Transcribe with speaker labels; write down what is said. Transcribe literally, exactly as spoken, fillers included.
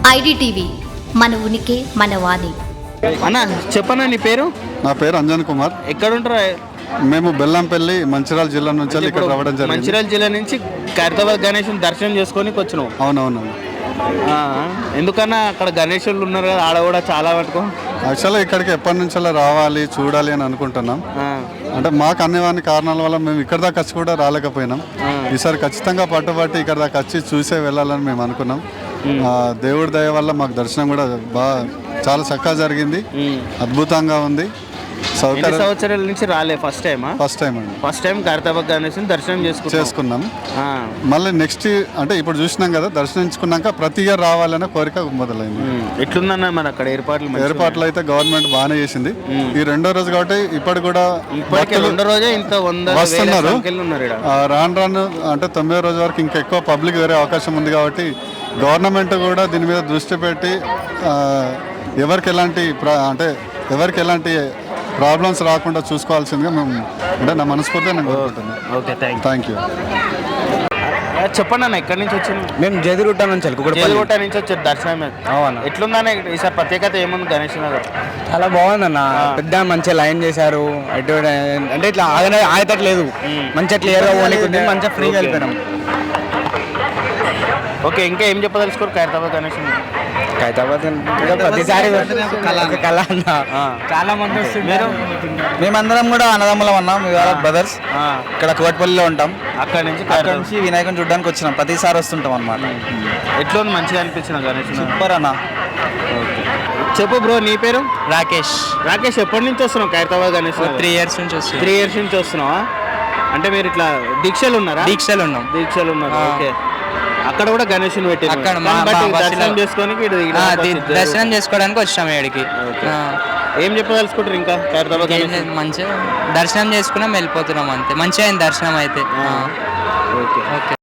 Speaker 1: IDTV మన ఉనికి మన వాణి.
Speaker 2: అన్న చెప్పన్నా నీ పేరు?
Speaker 3: నా పేరు అంజన్ కుమార్.
Speaker 2: ఎక్కడ ఉంటారా?
Speaker 3: మేము బెల్లంపల్లి మంచిర్యాల జిల్లా నుంచి ఇక్కడ రావడం జరిగింది.
Speaker 2: మంచిర్యాల జిల్లా నుంచి ఖైరతాబాద్ గణేశుని దర్శనం చేసుకొని వచ్చినావు.
Speaker 3: అవునవును.
Speaker 2: ఎందుకన్నా అక్కడ గణేశులు ఉన్నారు కదా, ఆడ కూడా చాలా పట్టుకో.
Speaker 3: యాక్చువల్గా ఇక్కడికి ఎప్పటి నుంచో రావాలి చూడాలి అని అనుకుంటున్నాం. అంటే మాకు అన్ని కారణాల వల్ల మేము ఇక్కడ దాకా వచ్చి కూడా రాలేకపోయినాం. ఈసారి ఖచ్చితంగా పట్టుబట్టి ఇక్కడ దాకా వచ్చి చూసే వెళ్ళాలని మేము అనుకున్నాం. దేవుడి దయ వల్ల మాకు దర్శనం కూడా బాగా చాలా చక్కగా జరిగింది, అద్భుతంగా ఉంది.
Speaker 2: సంవత్సరాల నుంచి రాలే ఫస్ట్ టైం
Speaker 3: ఫస్ట్ టైం అండి
Speaker 2: ఫస్ట్ టైం ఖైరతాబాద్ గణేశుని దర్శనం చేసుకున్నాం.
Speaker 3: మళ్ళీ నెక్స్ట్ అంటే ఇప్పుడు చూసినాం కదా, దర్శించుకున్నాక ప్రతి ఇయర్ రావాలనే కోరిక మొదలైంది.
Speaker 2: ఎట్లుందన్న మరి అక్కడ ఏర్పాట్లు?
Speaker 3: ఏర్పాట్లు అయితే గవర్నమెంట్ బాగానే చేసింది. ఈ రెండో రోజు కాబట్టి ఇప్పటి కూడా
Speaker 2: రెండో రోజే ఇంత
Speaker 3: వస్తున్నారు. రాను రాను అంటే తొమ్మిదో రోజు వరకు ఇంకా ఎక్కువ పబ్లిక్ వేరే అవకాశం ఉంది కాబట్టి గవర్నమెంట్ కూడా దీని మీద దృష్టి పెట్టి ఎవరికి ఎలాంటి అంటే ఎవరికి ఎలాంటి ప్రాబ్లమ్స్ రాకుండా చూసుకోవాల్సిందిగా మేము అంటే నా మనస్ఫూర్తిగా నేను కోరుకుంటున్నాను.
Speaker 2: Okay,
Speaker 3: thank you.
Speaker 2: చెప్పండి అన్న, ఎక్కడి నుంచి వచ్చింది?
Speaker 4: మేము జదిగుట్ట నుంచి
Speaker 2: జదిగుట్ట నుంచి వచ్చారు దర్శనం. అవునా, ఎట్లుందన్న ఈసారి ప్రత్యేకత ఏముంది గణేష్ నగర్?
Speaker 4: చాలా బాగుందన్న, పెద్ద మంచిగా లైన్ చేశారు. ఎటు అంటే ఇట్లా ఆగనే ఆగేటట్లేదు, మంచిగా క్లియర్గా పోనీకుంది, మంచిగా ఫ్రీగా వెళ్ళిపోయినాం.
Speaker 2: ఓకే, ఇంకా ఏం చెప్పదలుచుకోరు ఖైరతాబాద్ గణేష్?
Speaker 4: ఖైరతాబాద్ ప్రతిసారి కళ అన్న, చాలా మంది వస్తున్నారు. మేమందరం కూడా అన్నదమ్ములం ఉన్నాం, ఇవాళ బ్రదర్స్. ఇక్కడ కోటిపల్లిలో ఉంటాం.
Speaker 2: అక్కడ నుంచి
Speaker 4: అక్కడ నుంచి వినాయకుని చూడడానికి వచ్చినాం, ప్రతిసారి వస్తుంటాం అన్నమాట.
Speaker 2: ఎట్లా మంచిగా అనిపించిన గణేష్?
Speaker 4: సూపర్ అన్న.
Speaker 2: చెప్పు బ్రో, నీ పేరు?
Speaker 5: రాకేష్.
Speaker 2: రాకేష్, ఎప్పటి నుంచి వస్తున్నావు ఖైరతాబాద్ గణేష్?
Speaker 5: త్రీ ఇయర్స్ నుంచి వస్తున్నాం.
Speaker 2: త్రీ ఇయర్స్ నుంచి వస్తున్నావా? అంటే మీరు ఇట్లా దీక్షలు ఉన్నారా?
Speaker 5: దీక్షలు ఉన్నాం.
Speaker 2: దీక్షలు ఉన్నారు. ఓకే, అక్కడ కూడా గణేషుని పెట్టి
Speaker 5: అక్కడ
Speaker 2: దర్శనం చేసుకొని
Speaker 5: దర్శనం చేసుకోవడానికి వచ్చాము ఇక్కడికి.
Speaker 2: ఏం చెప్పదలుచుకుంటారు ఇంకా ఖైరతాబాద్?
Speaker 5: మంచిగా దర్శనం చేసుకున్నాం, వెళ్ళిపోతున్నాం అంతే. మంచిగా అయింది దర్శనం అయితే.
Speaker 2: Okay okay.